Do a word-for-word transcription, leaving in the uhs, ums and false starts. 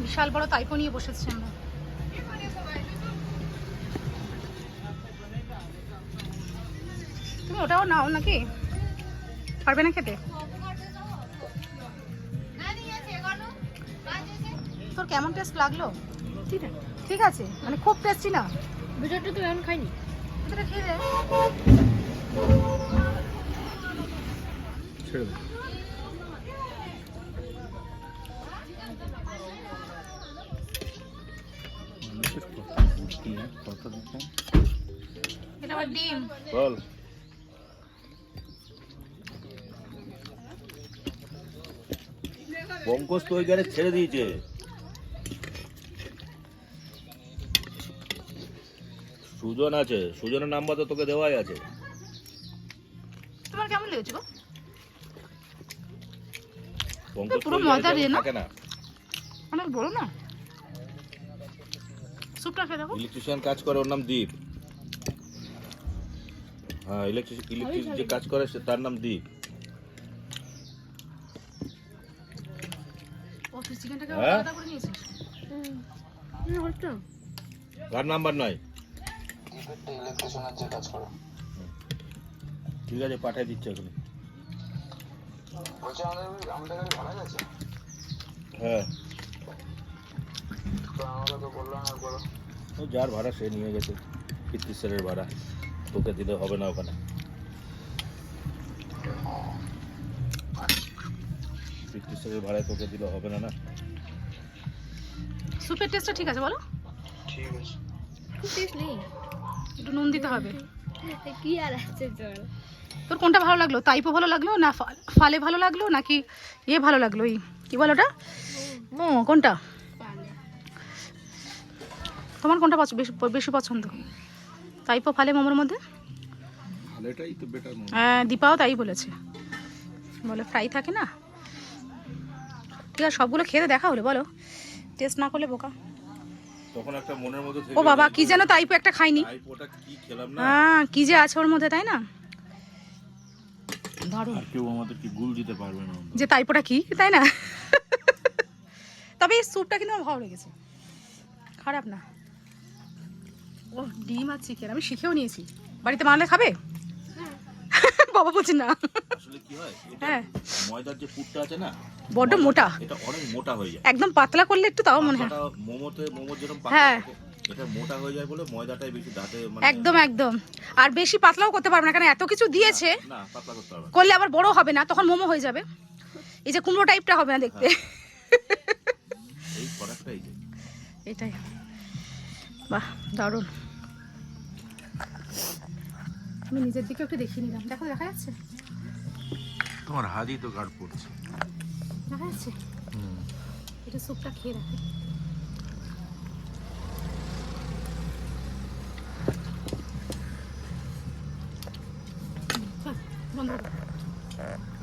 বিশাল বড় তাইপো নিয়ে বসেছি আমরা। তুমি ওটাও নাও নাকি? পারবে না খেতে? তোর কেমন টেস্ট লাগলো? ঠিক আছে, মানে খুব টেস্টি না? ভিতরটা তো এখন খাইনি। এটা খেয়ে দে। ছেড়ে দে। এটা আবার ডিম। বল। পঙ্কজ তো ওই গাড়ি ছেড়ে দিয়েছে। সুজন আছে, সুজনের নাম্বার তো তোকে দেওয়াই আছে। তোমার কেমন লেগেছে গো? পঙ্কজ পুরো মজা দিয়ে না? থাকে না, অনেক বড় না? স্যুপটা খেয়ে দেখো। ইলেকট্রিশিয়ান কাজ করে, ওর নাম দীপ। হ্যাঁ, ইলেকট্রিক ইলেকট্রিক যে কাজ করে সে তার নাম দীপ। অফিস চিকেনটাকে হ্যাঁ? আলাদা করে নিয়েছিস? হুম, হচ্ছে। কার নাম্বার নয়? ইলেকট্রিশিয়ানের যে কাজ করে। ঠিক আছে, পাঠিয়ে দিচ্ছে ওখানে। বলছে আমাদের আমাদের গাড়ি ভাড়া গেছে। হ্যাঁ, তো আমাকে তো বললো না বলো। ও যার ভাড়া সে নিয়ে গেছে, কীর্তিশ্বরের ভাড়া তোকে দিলে হবে না ওখানে। কীর্তিশ্বরের ভাড়ায় তোকে দিলে হবে না না। স্যুপের টেস্টটা ঠিক আছে বলো? ঠিক আছে। খুব টেস্ট নেই। একটু নুন দিতে হবে। কি আর আছে তোর? তোর কোনটা ভালো লাগলো? তাইপো ভালো লাগলো না ফা- ফালে ভালো লাগলো নাকি ইয়ে ভালো লাগলো? এই কি বলো ওটা? ও কোনটা? তোমার কোনটা পছ- বেশি বেশি পছন্দ? তাইপো ফালে মোমোর মধ্যে? ভালোটাই তো বেটার মনে হয়। হ্যাঁ, দীপাও তাই বলেছে, বলে ফ্রাই থাকে না। ঠিক আছে, সবগুলো খেতে দেখা হলো, বলো টেস্ট না করলে বোকা। তখন একটা মনের মধ্যে ও বাবা, কি যেন তাইপো একটা খাইনি। ওটা কি খেলাম না। হ্যাঁ, কি যে আছে ওর মধ্যে, তাই না? দারুণ। আর কেউ আমাদের কি গুল দিতে পারবে না। যে তাইপোটা কি, তাই না? তবে এই স্যুপটা কিন্তু আমার ভালো লেগেছে, খারাপ না। ও ডিম আর চিকেন আমি শিখেও নিয়েছি, বাড়িতে বানালে খাবে? বাবা বলছি না। আসলে কি হয়, এটা হ্যাঁ, ময়দার যে পুরটা আছে না, বড্ড মোটা, এটা অনেক মোটা হয়ে যায়। একদম পাতলা করলে একটু তাও মনে হয়। পাতলাটা মোমোতে মোমোর যেরকম হ্যাঁ। পাতলা থাকে, এটা মোটা হয়ে যায় বলে ময়দাটাই বেশি দাঁতে মানে একদম একদম। আর বেশি পাতলাও করতে পারবে না, কারণ এত কিছু দিয়েছে, না পাতলা করতে হবে না। করলে আবার বড় হবে না, তখন মোমো হয়ে যাবে। এই যে কুমড়ো টাইপটা হবে না দেখতে। এই ফরাকটাই যে এটাই। বাহ, দারুণ। আমি নিজের দিকে একটু দেখিয়ে নিলাম, দেখো দেখা যাচ্ছে? তোমার হাতই তো গাঢ় পড়ছে। দেখা যাচ্ছে? এটা স্যুপটা খেয়ে রাখি। বন্ধ করো।